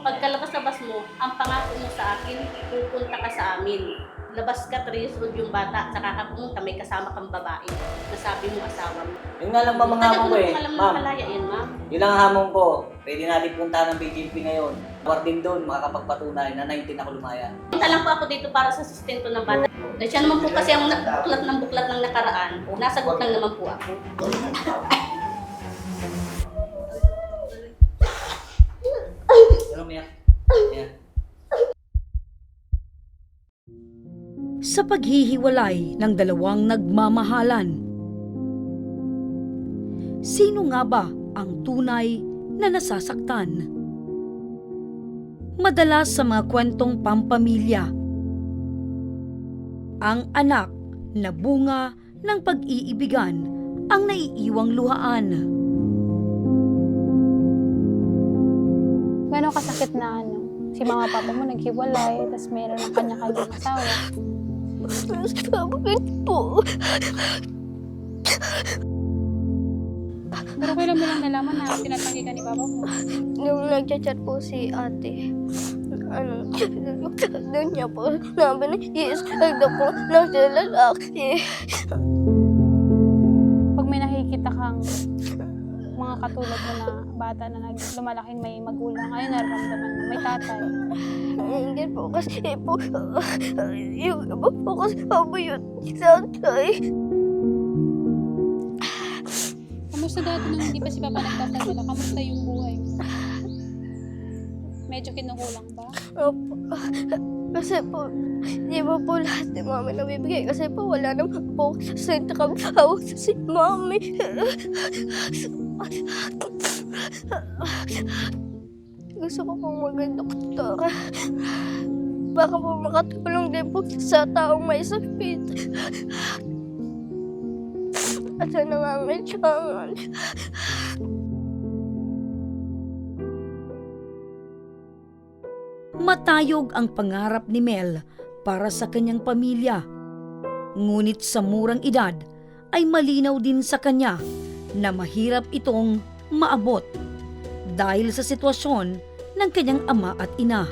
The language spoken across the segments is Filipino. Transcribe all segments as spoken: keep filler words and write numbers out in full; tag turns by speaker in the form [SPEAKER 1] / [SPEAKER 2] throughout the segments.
[SPEAKER 1] Pagkalabas-labas mo, ang pangako mo sa akin, pupunta ka sa amin. Labas ka, three years old yung bata, saka ka pumunta, may kasama kang babae. Nasabi mo asawa mo.
[SPEAKER 2] Yun nga lang ma'am ang hamon ko eh.
[SPEAKER 1] Tagal mo
[SPEAKER 2] Ma'am,
[SPEAKER 1] palaya yan, ma'am.
[SPEAKER 2] yun lang ang hamon ko. Pwede natin punta ng B J P ngayon. Warden doon, makakapagpatunay na nineteen ako lumaya.
[SPEAKER 1] Punta lang po ako dito para sa sustento ng bata. Na siya naman po kasi ang na- buklat ng buklat ng nakaraan. Nasagot lang naman po ako.
[SPEAKER 2] Ano Mia? Mia?
[SPEAKER 3] Sa paghihiwalay ng dalawang nagmamahalan. Sino nga ba ang tunay na nasasaktan? Madalas sa mga kwentong pampamilya, ang anak na bunga ng pag-iibigan ang naiiwang luhaan.
[SPEAKER 4] Gano'ng kasakit na ano, si mama papa mo naghiwalay, tapos meron ng kanya-kanyang asawa.
[SPEAKER 5] Bakit po?
[SPEAKER 4] Pero kailan mo lang nalaman na tinatanggi ka ni papa mo?
[SPEAKER 5] Nung nagchat-chat po si ate, ano, doon niya po, sabi na, yes, agda po, nasa lalaki.
[SPEAKER 4] Pag may nakikita kang mga katulad mo na bata na nag lumalaking may magulang, ayun nararamdaman mo, may tatay.
[SPEAKER 5] Hindi po, kasi po, yung iba po kasi po yun, tatay.
[SPEAKER 4] Kamusta dati nung hindi pa si papa nagtatanggala? Kamusta yung buhay mo? Medyo kinukulang ba?
[SPEAKER 5] Opo. Kasi po, di ba po lahat ni mami nabibigay? Kasi po wala naman po sa kami hawak si mami. Gusto ko pong maging doktor. Baka po makatulong din po sa taong may sakit. At sa nangangailangan.
[SPEAKER 3] Matayog ang pangarap ni Mel para sa kanyang pamilya. Ngunit sa murang edad ay malinaw din sa kanya na mahirap itong maabot dahil sa sitwasyon ng kanyang ama at ina.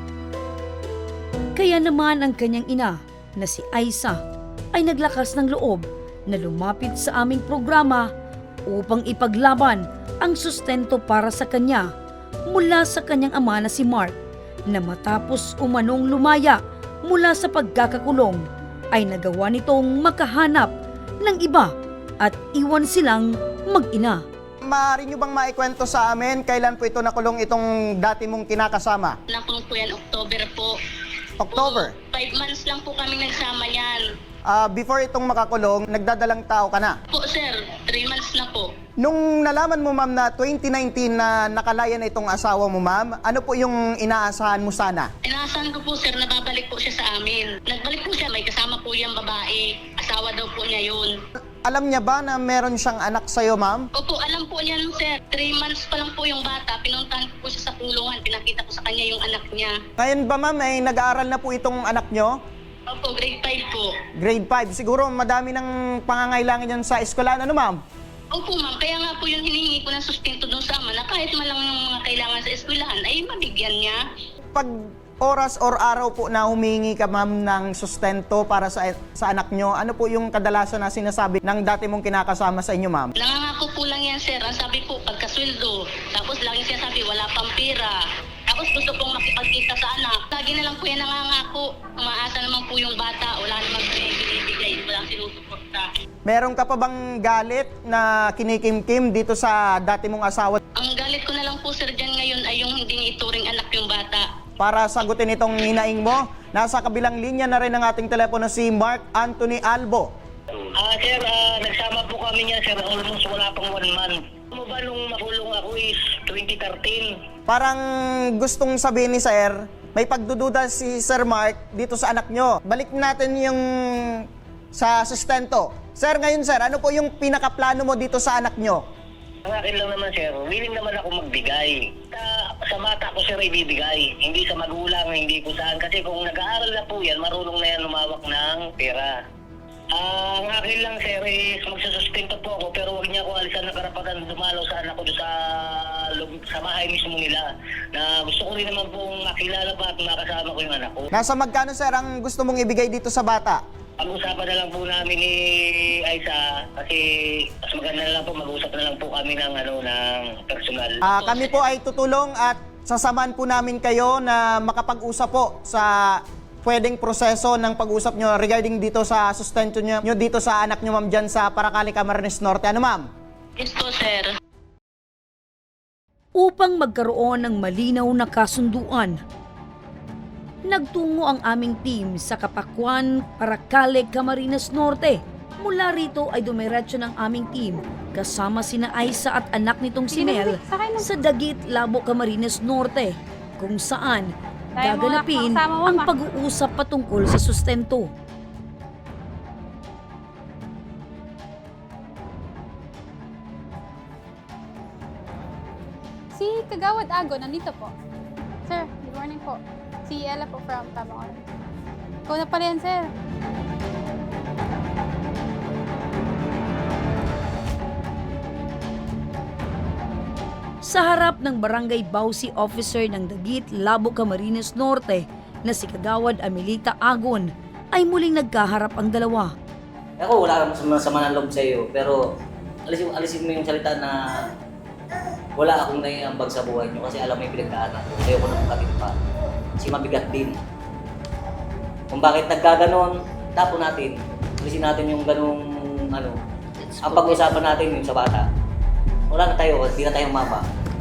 [SPEAKER 3] Kaya naman ang kanyang ina na si Aiza ay naglakas ng loob na lumapit sa aming programa upang ipaglaban ang sustento para sa kanya mula sa kanyang ama na si Mark, na matapos umanong lumaya mula sa pagkakakulong ay nagawa nitong makahanap ng iba at iwan silang mag-ina.
[SPEAKER 6] Maaari nyo bang maikwento sa amin kailan po ito nakulong itong dati mong kinakasama?
[SPEAKER 1] Nakulong po yan, October po.
[SPEAKER 6] October?
[SPEAKER 1] Po, five months lang po kami nagsama yan.
[SPEAKER 6] Ah, before itong makakulong, nagdadalang tao ka na.
[SPEAKER 1] Po sir, three months na po.
[SPEAKER 6] Nung nalaman mo ma'am na twenty nineteen na nakalaya na itong asawa mo ma'am, ano po yung inaasahan mo sana?
[SPEAKER 1] Inaasahan ko po sir na babalik po siya sa amin. Nagbalik po siya, may kasama po yung babae. Asawa daw po niya yun.
[SPEAKER 6] Alam niya ba na meron siyang anak sa'yo ma'am?
[SPEAKER 1] Opo, alam po niyan sir. Three months pa lang po yung bata. Pinuntahan ko po siya sa kulungan. Pinakita ko sa kanya yung anak niya.
[SPEAKER 6] Ngayon ba ma'am ay nag-aaral na po itong anak nyo?
[SPEAKER 1] Opo, grade five po.
[SPEAKER 6] Grade five. Siguro madami ng pangangailangan yan sa eskwelahan. Ano ma'am?
[SPEAKER 1] Opo ma'am, kaya nga po yung hinihingi ko ng sustento doon sa ama na kahit man lang yung mga kailangan sa eskwelahan ay mabigyan niya.
[SPEAKER 6] Pag oras or araw po na humingi ka ma'am ng sustento para sa, sa anak nyo, ano po yung kadalasan na sinasabi ng dati mong kinakasama sa inyo ma'am?
[SPEAKER 1] Nangangako po lang yan sir. Ang sabi po, pagkasweldo. Tapos laging siya sabi, wala pang pera. Tapos gusto pong makipagkita sa anak. Lagi na lang po yan nangangako. Umaasa naman po yung bata. Wala namang binibigay. Walang sinusuporta.
[SPEAKER 6] Meron ka pa bang galit na kinikimkim dito sa dati mong asawa?
[SPEAKER 1] Ang galit ko na lang po sir dyan ngayon ay yung hindi ituring anak yung bata.
[SPEAKER 6] Para sagutin itong hinaing mo, nasa kabilang linya na rin ang ating telepono si Mark Anthony Albo.
[SPEAKER 7] Ah, sir, ah, nagsama po kami niya, sir, almost wala pang one month. Ano ba nung makulong ako is twenty thirteen?
[SPEAKER 6] Parang gustong sabihin ni Sir, may pagdududa si Sir Mark dito sa anak nyo. Balik natin yung sa sustento. Sir, ngayon sir, ano po yung pinakaplano mo dito sa anak nyo?
[SPEAKER 7] Ang akin lang naman, sir, willing naman ako magbigay. Sa, sa bata ko, sir, ibibigay. Hindi sa magulang, hindi ko saan. Kasi kung nag-aaral na po yan, marunong na yan lumawak ng pera. Ah, ang akin lang, sir, is magsusustento po ako pero huwag niya ako alisan ng karapatan dumalaw sa anak ko doon sa, loob- sa bahay mismo nila. Na gusto ko rin naman pong makilala pa at makasama ko yung anak ko.
[SPEAKER 6] Nasa magkano sir ang gusto mong ibigay dito sa bata?
[SPEAKER 7] Pag-usapan na lang po namin ni Aiza kasi mas maganda na lang po, mag-usap na lang po kami ng, ano, ng personal.
[SPEAKER 6] Ah, kami po ay tutulong at sasamahan po namin kayo na makapag-usap po sa pwedeng proseso ng pag-usap nyo regarding dito sa sustento nyo, nyo dito sa anak nyo ma'am dyan sa Paracali, Camarines Norte. Ano ma'am?
[SPEAKER 1] Yes po, sir.
[SPEAKER 3] Upang magkaroon ng malinaw na kasunduan, nagtungo ang aming team sa Kapakwan, Paracali, Camarines Norte. Mula rito ay dumiretso ng aming team kasama sina Aiza at anak nitong si Mel sa Dagit, Labo, Camarines Norte, kung saan
[SPEAKER 4] Tayo mo,
[SPEAKER 3] gaganapin
[SPEAKER 4] kasama mo,
[SPEAKER 3] ang
[SPEAKER 4] ma.
[SPEAKER 3] pag-uusap patungkol sa sustento.
[SPEAKER 4] Si Kagawad Ago, nandito po. Sir, good morning po. Si Ella po from Tabangon. Ikaw na pala yan, sir.
[SPEAKER 3] Sa harap ng Barangay Bausi Officer ng Dagit, Labo, Camarines Norte na si Kagawad Amelita Agon ay muling nagkaharap ang dalawa.
[SPEAKER 2] Ako, wala akong sama, sama ng loob sa iyo, pero alisin, alisin mo yung salita na wala akong naiambag sa buhay niyo kasi alam mo yung pinagdaanan ko. Ayoko na magkatid pa. Kasi mabigat din. Kung bakit nagkaganon, tapo natin. Alisin natin yung ganung ano. Ang pag-usapan natin yung sa bata. Wala na tayo, hindi na tayo mapa.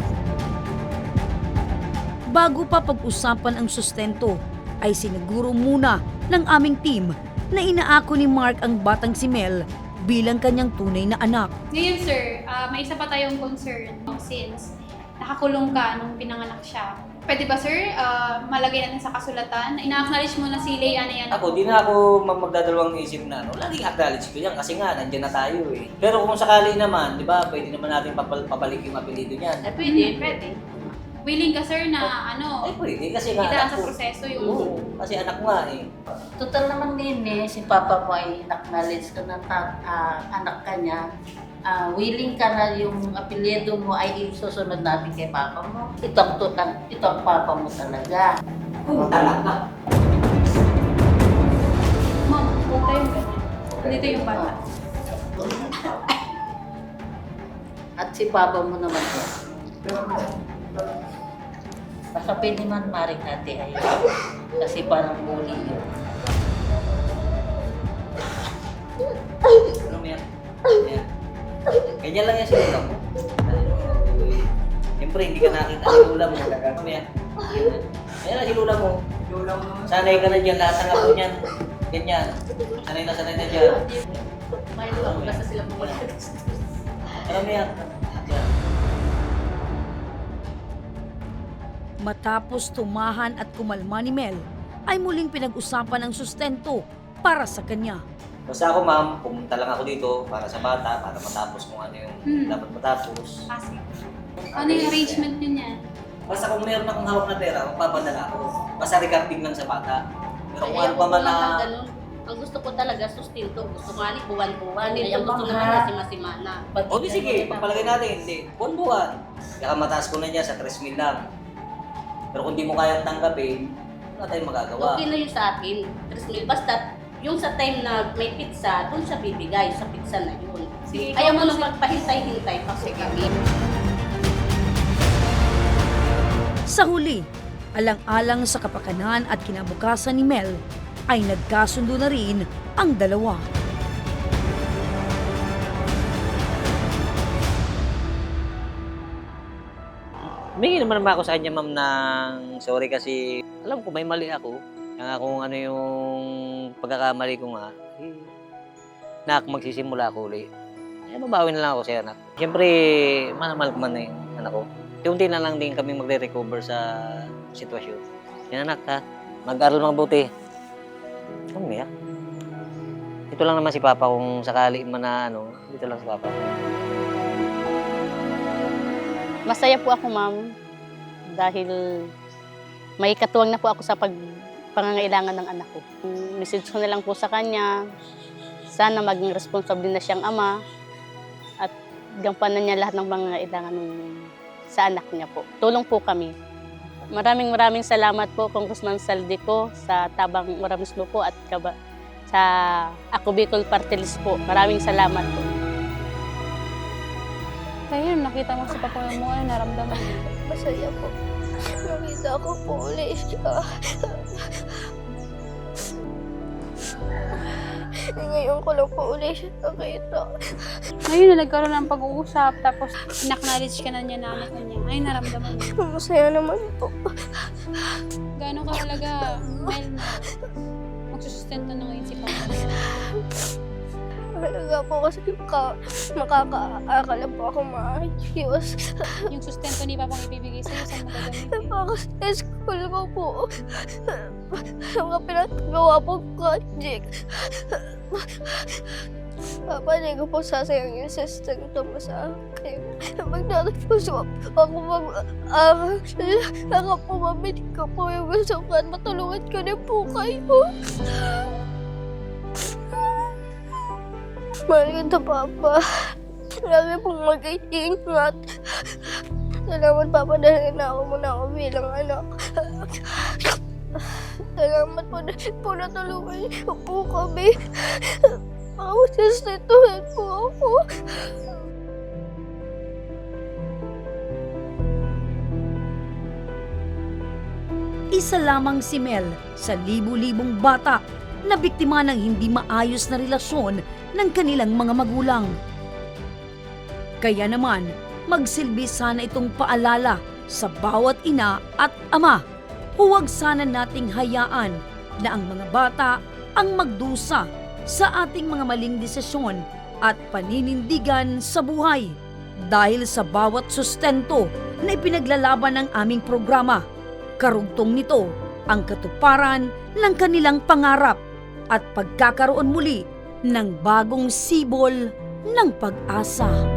[SPEAKER 3] Bago pa pag-usapan ang sustento, ay siniguro muna ng aming team na inaako ni Mark ang batang si Mel bilang kanyang tunay na anak.
[SPEAKER 8] Ngayon, sir, ah, may isa pa tayong concern since nakakulong ka nung pinanganak siya. Pwede ba, sir, ah, malagay natin sa kasulatan? Ina-acknowledge mo na si Leia na yan.
[SPEAKER 2] Ako, di na ako mag- magdadalawang isip na, no? Laging acknowledge ko yan kasi nga, nandiyan na tayo eh. Pero kung sakali naman, di ba, pwede naman natin papal- papalik yung apelido niyan.
[SPEAKER 8] Eh, pwede, pwede. Willing ka, sir, na ano,
[SPEAKER 2] Ay, pwede kasi nga
[SPEAKER 8] idaan
[SPEAKER 2] anak
[SPEAKER 8] sa
[SPEAKER 2] ko.
[SPEAKER 8] proseso yung...
[SPEAKER 2] Oo, kasi anak mo nga eh.
[SPEAKER 9] Total naman din eh, si Papa mo ay acknowledge ka na ta- ah, anak ka niya. Ah, willing ka na yung apelyido mo ay isusunod natin kay Papa mo. Ito ang, tutan, ito ang Papa mo talaga.
[SPEAKER 2] Oo, talaga.
[SPEAKER 8] Ma'am, huwag tayong ganyan. Dito yung bata.
[SPEAKER 9] At si Papa mo naman po. Basta pwede man maring natin ay kasi parang bully yun.
[SPEAKER 2] Ano mo yan? Yan. Ganyan lang yan sa ulam mo. Siyempre, hindi ka nakita ng ulam mo. Ano mo yan? Ayan lang ulam mo. Sanay ka na dyan, lahat ng apo niyan. Ganyan. Sanay na sanay na dyan.
[SPEAKER 9] May luwag basta sila pumalag.
[SPEAKER 2] Ano mo yan? Yan.
[SPEAKER 3] Matapos tumahan at kumalma ni Mel, ay muling pinag-usapan ang sustento para sa kanya.
[SPEAKER 2] Basta ako ma'am, pumunta lang ako dito para sa bata, para matapos kung ano yung
[SPEAKER 8] Hmm.
[SPEAKER 2] dapat matapos.
[SPEAKER 8] Kasi, ano yung arrangement nyo niya?
[SPEAKER 2] Basta kung mayroon akong hawak na pera, magpapadala ako. Basta regarding lang sa bata. Pero kung ano pa man na...
[SPEAKER 9] Ang gusto ko talaga sustento. Gusto ko nga ni buwan-buwan.
[SPEAKER 5] Ay,
[SPEAKER 9] Ay, ang gusto
[SPEAKER 5] ang
[SPEAKER 9] naman
[SPEAKER 5] mahal.
[SPEAKER 9] na si Masimana.
[SPEAKER 2] O di sige, pagpalagay natin, hindi. Buwan-buwan. Kaya mataas ko na niya sa tres mil lang. Pero kung di mo kayang tanggapin, wala tayong magagawa.
[SPEAKER 9] Okay na yun sa akin. tres mil. Basta yung sa time na may pizza, doon siya bibigay. Sa pizza na yun.
[SPEAKER 8] Sige,
[SPEAKER 9] Ayaw mo
[SPEAKER 8] ikaw
[SPEAKER 9] nang magpahintay-hintay pa sa kami.
[SPEAKER 3] Sa huli, alang-alang sa kapakanan at kinabukasan ni Mel, ay nagkasundo na rin ang dalawa.
[SPEAKER 2] Humingi naman naman ako sa kanya, ma'am, ng sorry kasi alam ko may mali ako. Kaya kung ano yung pagkakamali ko nga, eh, nak, magsisimula ako ulit. Eh, babawi na lang ako sa anak. Siyempre, manamahal ko man na yung anak ko. Unti na lang din kami magre-recover sa sitwasyon. Yan anak ha, mag-aral mabuti. Umiyak. Ito lang naman si Papa kung sakali man na ano, dito lang si Papa.
[SPEAKER 10] Masaya po ako, ma'am, dahil may katuwang na po ako sa pag pangangailangan ng anak ko. Message ko na lang po sa kanya, sana maging responsable na siyang ama at gampanan niya lahat ng mga kailangan sa anak niya po. Tulong po kami. Maraming maraming salamat po Congressman Saldico sa Tabang Moramismo po at kaba, sa Ako Bicol Party List po. Maraming salamat po.
[SPEAKER 4] Kaya nung nakita mo si Papa mo, ano naramdaman mo?
[SPEAKER 5] Masaya po. Nakita ko po ulit siya. Ngayon ko lang po ulit siya nakita.
[SPEAKER 4] Ngayon na nagkaroon ng pag-uusap, tapos in-acknowledge ka na niya na anak niya. Ay, naramdaman mo.
[SPEAKER 5] Masaya naman po.
[SPEAKER 4] Gaano ka talaga, Mel, na magsusustento na ngayon si Papa?
[SPEAKER 5] Talaga po kasi maka, makakaakala po ako maayos.
[SPEAKER 4] Yung sustento ni Papang ibibigay sa'yo, saan mo gagamitin?
[SPEAKER 5] Ako sa school ko po. Mga pinagawa po project. Papalay ko po sasayang yung sustento mo sa akin. Magtatapos ako mag-aaral. Saka po mabili ko po yung gusto ko at matulungan ko din po kayo. Mahal kita, Papa. Lagi pong mag-iingat. Salamat, Papa, dahil na ako muna ako bilang anak. Salamat po dahil po natulungan niyo po kami. Ako, sustentuhin po ako.
[SPEAKER 3] Isa lamang si Mel sa libu-libong bata na biktima ng hindi maayos na relasyon ng kanilang mga magulang. Kaya naman, magsilbi sana itong paalala sa bawat ina at ama. Huwag sana nating hayaan na ang mga bata ang magdusa sa ating mga maling desisyon at paninindigan sa buhay. Dahil sa bawat sustento na ipinaglalaban ng aming programa, karugtong nito ang katuparan ng kanilang pangarap at pagkakaroon muli ng bagong sibol ng pag-asa.